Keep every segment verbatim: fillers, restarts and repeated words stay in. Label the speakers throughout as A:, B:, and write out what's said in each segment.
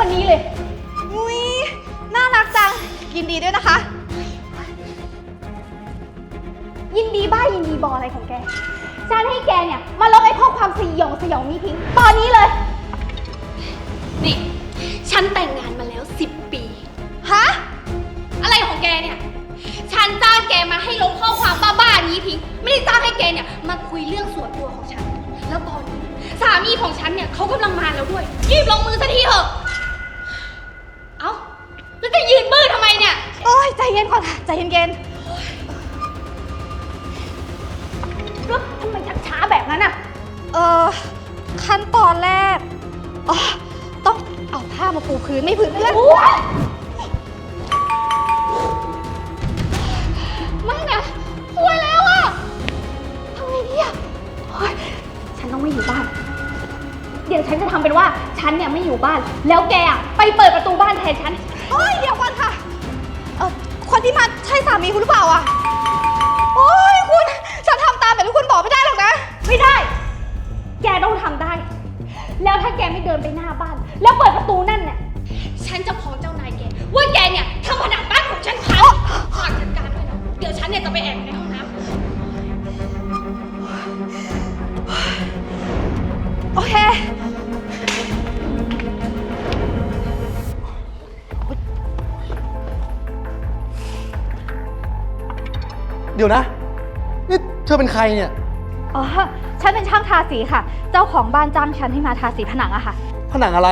A: วันนี้เลย
B: อุ้ยน่ารักจังยินดีด้วยนะคะ
A: ยินดีบ้ายินดีบออะไรของแกฉันให้แกเนี่ยมาลบไอ้ข้อความสยองสยองนี้ทิ้งตอนนี้เลยนี่ฉันแต่งงานมาแล้วสิบปี
B: ฮะ
A: อะไรของแกเนี่ยฉันจ้างแกมาให้ลบข้อความบ้าๆนี้ทิ้งไม่ได้จ้างให้แกเนี่ยมาคุยเรื่องส่วนตัวของฉันแล้วตอนนี้สามีของฉันเนี่ยเขากำลังมาแล้วด้วยรีบลงมือสักทีเถอะเอ้าแล้วจะยืนมือทำไมเนี่ย
B: โอ้ยใจเย็นก่อนค่ะใจเย็นๆ
A: แล้วทำไมชักช้าแบบนั้นอ่ะ
B: เออขั้นตอนแรกอ๋อต้องเอาผ้ามาปูพื้นไม่พื้นเลื่อน
A: ไม่นะสวยแล้วอ่ะทำไงดีอ่ะฉันต้องไม่อยู่บ้านเดี๋ยวฉันจะทำเป็นว่าฉันเนี่ยไม่อยู่บ้านแล้วแกอ่ะไปเปิดประตูบ้านแทนฉัน
B: โอ้ยเดี๋ยวก่อนค่ะเออคนที่มาใช่สามีคุณหรือเปล่าอ่ะโอ้ยคุณฉันทำตามแบบที่คุณบอกไม่ได้หรอกนะ
A: ไม่ได้แกต้องทำได้แล้วถ้าแกไม่เดินไปหน้าบ้านแล้วเปิดประตูนั่นเนี่ยฉันจะฟ้องเจ้านายแกว่าแกเนี่ยทำผนังบ้านของฉันพังฝากจัดการด้วยนะเดี๋ยวฉันเนี่ยจะไปแอบในห้องน้ำ
B: โอเค
C: เดี๋ยวนะนี่เธอเป็นใครเนี่ย
B: อ๋อฉันเป็นช่างทาสีค่ะเจ้าของบ้านจ้างฉันให้มาทาสีผนังอะค่ะ
C: ผนังอะไร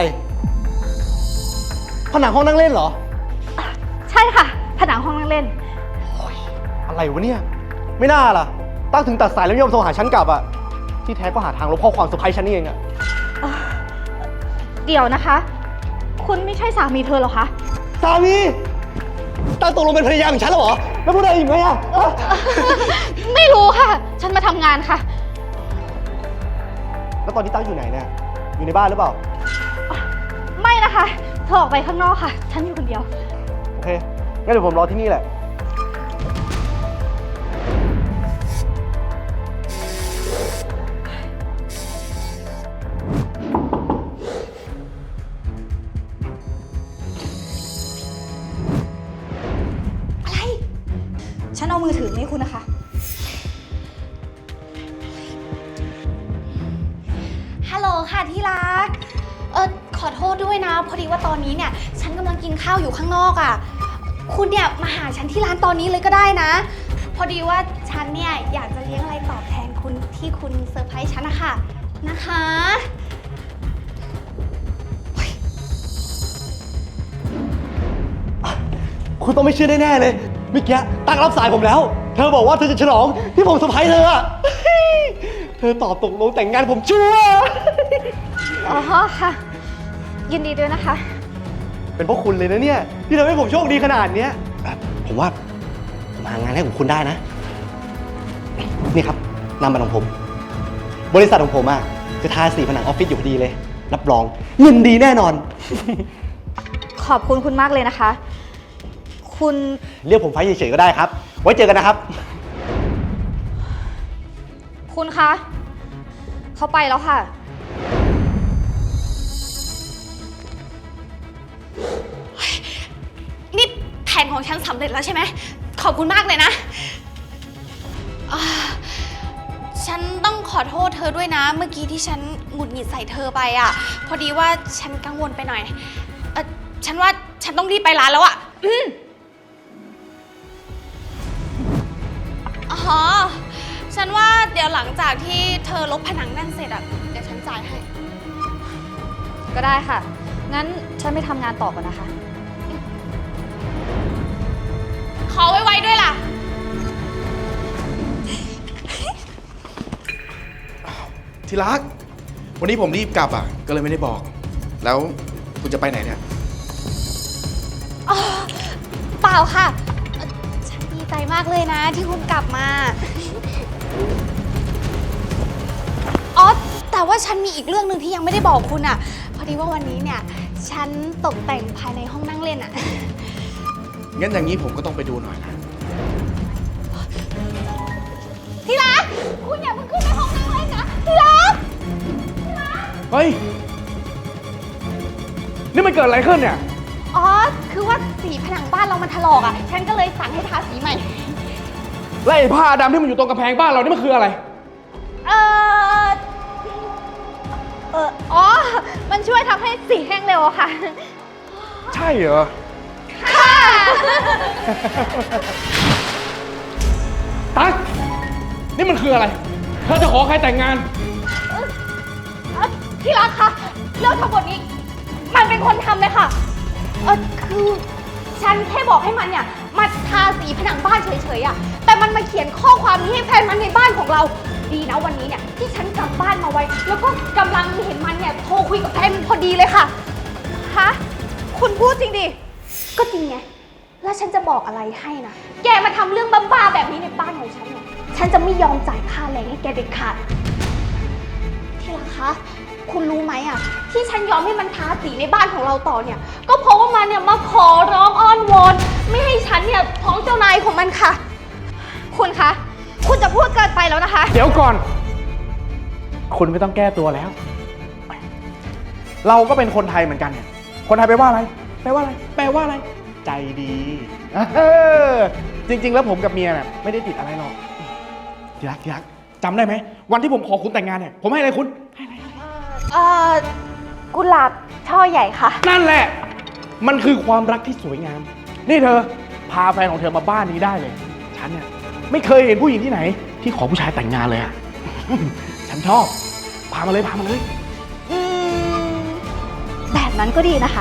C: ผนังห้องนั่งเล่นเหรอ
B: ใช่ค่ะผนังห้องนั่งเล่น
C: อะไรวะเนี่ยไม่น่าล่ะตั้งถึงตัดสายแล้วไม่ยอมโทรหาฉันกลับอะที่แท้ก็หาทางลบข้อความเซอร์ไพรส์ฉันนี่เองอะ
B: เดี๋ยวนะคะคุณไม่ใช่สามีเธอหรอคะ
C: สามีตั้งตกลงเป็นภรรยาของฉันแล้วเหรอแล้วพูดอะไรอีกไหมอะ
B: ไม่รู้ค่ะฉันมาทำงานค่ะ
C: แล้วตอนนี้ตั้งอยู่ไหนเนี่ยอยู่ในบ้านหรือเปล่า
B: ไม่นะคะเธอออกไปข้างนอกค่ะฉันอยู่คนเดียว
C: โอเคงั้นเดี๋ยวผมรอที่นี่แหละ
B: อะไรฉันเอามือถือมาให้คุณนะคะ
A: ฮัลโหลค่ะที่รักเออขอโทษด้วยนะพอดีว่าตอนนี้เนี่ยฉันกำลังกินข้าวอยู่ข้างนอกอ่ะคุณเนี่ยมาหาฉันที่ร้านตอนนี้เลยก็ได้นะพอดีว่าฉันเนี่ยอยากจะเลี้ยงอะไรตอบแทนคุณที่คุณเซอร์ไพรส์ฉันนะคะนะคะ
C: คุณต้องไม่เชื่อแน่ๆเลยเมื่อกี้ตั้งรับสายผมแล้วเธอบอกว่าเธอจะฉลองที่ผมเซอร์ไพรส์เธออะเธอตอบตกลงแต่งงานผมชัวร์
B: อ๋อค่ะยินดีด้วยนะคะ
C: เป็นเพราะคุณเลยนะเนี่ยที่ทำให้ผมโชคดีขนาดนี้ผมว่าผมหางานให้ของคุณได้นะนี่ครับนามบัตรของผมบริษัทของผมอะจะทาสีผนังออฟฟิศอยู่พอดีเลยรับรองเงินดีแน่นอน
B: ขอบคุณคุณมากเลยนะคะคุณ
C: เรียกผมไฟเฉยๆก็ได้ครับไว้เจอกันนะครับ
B: คุณคะเขาไปแล้วค่ะ
A: นี่แผนของฉันสำเร็จแล้วใช่ไหมขอบคุณมากเลยนะฉันต้องขอโทษเธอด้วยนะเมื่อกี้ที่ฉันหงุดหงิดใส่เธอไปอ่ะพอดีว่าฉันกังวลไปหน่อยเออฉันว่าฉันต้องรีบไปร้านแล้วอ่ะอืมอ๋อฉันว่าเดี๋ยวหลังจากที่เธอลบผนังนั่นเสร็จอ่ะเดี๋ยวฉันจ่ายให้
B: ก็ได้ค่ะงั้นฉันไม่ทำงานต่อก่อนนะคะ
A: ขอไว้ไว้ด้วยล่ะ
D: ที่รักวันนี้ผมรีบกลับอ่ะก็เลยไม่ได้บอกแล้วคุณจะไปไหนเนี่ย
A: เปล่าค่ะฉันดีใจมากเลยนะที่คุณกลับมาอ๋อแต่ว่าฉันมีอีกเรื่องหนึ่งที่ยังไม่ได้บอกคุณอ่ะพอดีว่าวันนี้เนี่ยฉันตกแต่งภายในห้องนั่งเล่นอ่ะ
D: งั้นอย่างนี้ผมก็ต้องไปดูหน่อยนะ
A: ที่รักคุณอย่าเพิ่งขึ้นไปห้องนั่งเล่นนะที่รัก
D: เฮ้ย
E: นี่มันเกิดอะไรขึ้นเนี่ย
A: อ๋อ คือว่าสีผนังบ้านเรามันถลอกอ่ะ ฉันก็เลยสั่งให้ทาสีใหม่
E: และไอ้ผ้าดำที่มันอยู่ตรงกำแพงบ้านเรานี่มันคืออะไร
B: เออเอออ๋อ มันช่วยทำให้สีแห้งเร็วอะค่ะ
E: ใช่เหรอ
B: ค่ะ
E: ตั๊กนี่มันคืออะไร เธอจะขอใครแต่งงาน
B: เอ่อที่รักคะเรื่องทั้งหมดนี้ มันเป็นคนทำเลยค่ะ
A: เออคือฉันแค่บอกให้มันเนี่ยมาทาสีผนังบ้านเฉยๆอะแต่มันมาเขียนข้อความนี้ให้แฟนมันในบ้านของเรา ดีนะวันนี้เนี่ยที่ฉันกลับบ้านมาไวแล้วก็กำลังเห็นมันเนี่ยโทรคุยกับแฟนมันพอดีเลยค่ะ
B: ฮะ คุณพูดจริงดิ
A: ก็จริงไง แล้วฉันจะบอกอะไรให้นะ แกมาทำเรื่องบ้าๆแบบนี้ในบ้านของฉันเนี่ย ฉันจะไม่ยอมจ่ายค่าแรงให้แกเด็ดขาด ที่รักคะ คุณรู้ไหมอ่ะ ที่ฉันยอมให้มันทาสีในบ้านของเราต่อเนี่ย ก็เพราะว่ามันเนี่ยมาขอร้องอ้อนวอนไม่ให้ฉันเนี่ยท้องเจ้านายของมันค่ะ
B: คุณคะ คุณจะพูดเกินไปแล้วนะคะ
E: เดี๋ยวก่อน คุณไม่ต้องแก้ตัวแล้ว เราก็เป็นคนไทยเหมือนกันเนี่ย คนไทยแปลว่าอะไร แปลว่าอะไร แปลว่าอะไร ใจดีเออจริง ๆ แล้วผมกับเมียเนี่ยไม่ได้ติดอะไรหรอกยักยักจำได้ไหม วันที่ผมขอคุณแต่งงานเนี่ย ผมให้อะไรคุณ ให้อะไร
A: เอ่อ กุหลาบช่อใหญ่ค่ะ
E: นั่นแหละ มันคือความรักที่สวยงาม นี่เธอ พาแฟนของเธอมาบ้านนี้ได้เลย ฉันเนี่ยไม่เคยเห็นผู้หญิงที่ไหน ที่ขอผู้ชายแต่งงานเลยอะ ฉันชอบ พามาเลย พามาเลย
B: อืม แบบนั้นก็ดีนะคะ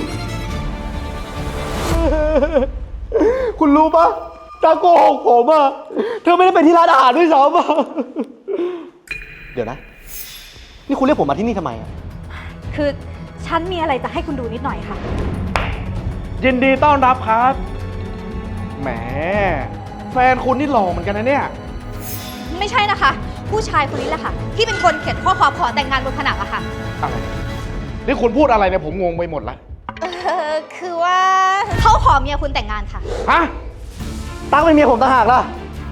C: คุณรู้ปะตาโกหกผมอะเธอไม่ได้ไปที่ร้านอาหารด้วยซ้ำอะเดี๋ยวนะ นี่คุณเรียกผมมาที่นี่ทำไมอะ
B: คือฉันมีอะไรจะให้คุณดูนิดหน่อยค่ะ
E: ยินดีต้อนรับครับ แหม แฟนคุณนี่หล่อเหมือนกันนะเนี่ย
B: ไม่ใช่นะคะ ผู้ชายคนนี้แหละค่ะ ที่เป็นคนเขียนข้อความขอแต่งงานบนผนังอะค่ะ
E: อะไร นี่คุณพูดอะไรเนี่ยผมงงไปหมดละ
B: เออคือว่าเขาขอเมียคุณแต่งงานค่ะ
E: ฮะ
C: ตั้งเป็นเมียผมต่างหากล่ะ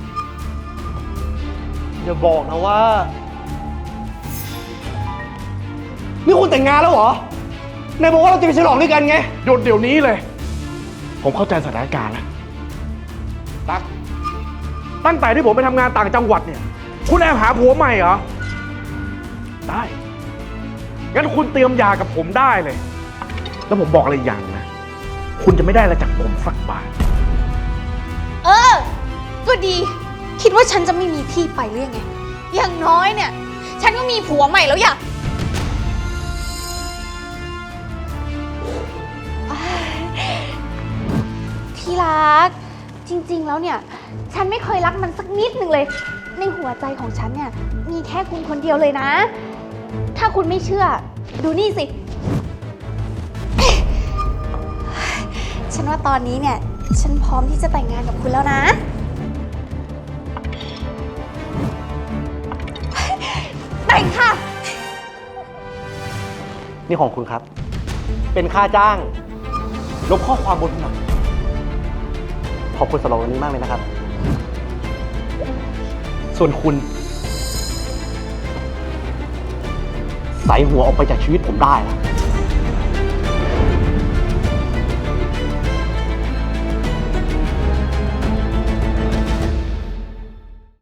C: อย่าบอกนะว่า นี่คุณแต่งงานแล้วเหรอไหนบอกว่าเราจะไปฉลองด้วยกันไง
E: หยุดเดี๋ยวนี้เลย ผมเข้าใจสถานการณ์แล้ว ตั๊ก ตั้งแต่ที่ผมไปทำงานต่างจังหวัดเนี่ย คุณแอบหาผัวใหม่เหรอ ได้ งั้นคุณเตรียมยากับผมได้เลย แล้วผมบอกอะไรอย่างนะ คุณจะไม่ได้อะไรจากผมสักบาท
A: เออ ก็ดี คิดว่าฉันจะไม่มีที่ไปหรือยังไง อย่างน้อยเนี่ย ฉันก็มีผัวใหม่แล้วอย่าที่รัก จริงๆ แล้วเนี่ย ฉันไม่เคยรักมันสักนิดหนึ่งเลย ในหัวใจของฉันเนี่ย มีแค่คุณคนเดียวเลยนะ ถ้าคุณไม่เชื่อ ดูนี่สิ ฉันว่าตอนนี้เนี่ย ฉันพร้อมที่จะแต่งงานกับคุณแล้วนะ แต่งค่ะ
C: นี่ของคุณครับ เป็นค่าจ้าง ลบข้อความบนผนังขอบคุณสำหรับวันนี้มากเลยนะครับ ส่วนคุณ ใส่หัวออกไปจากชีวิตผมได้แล้ว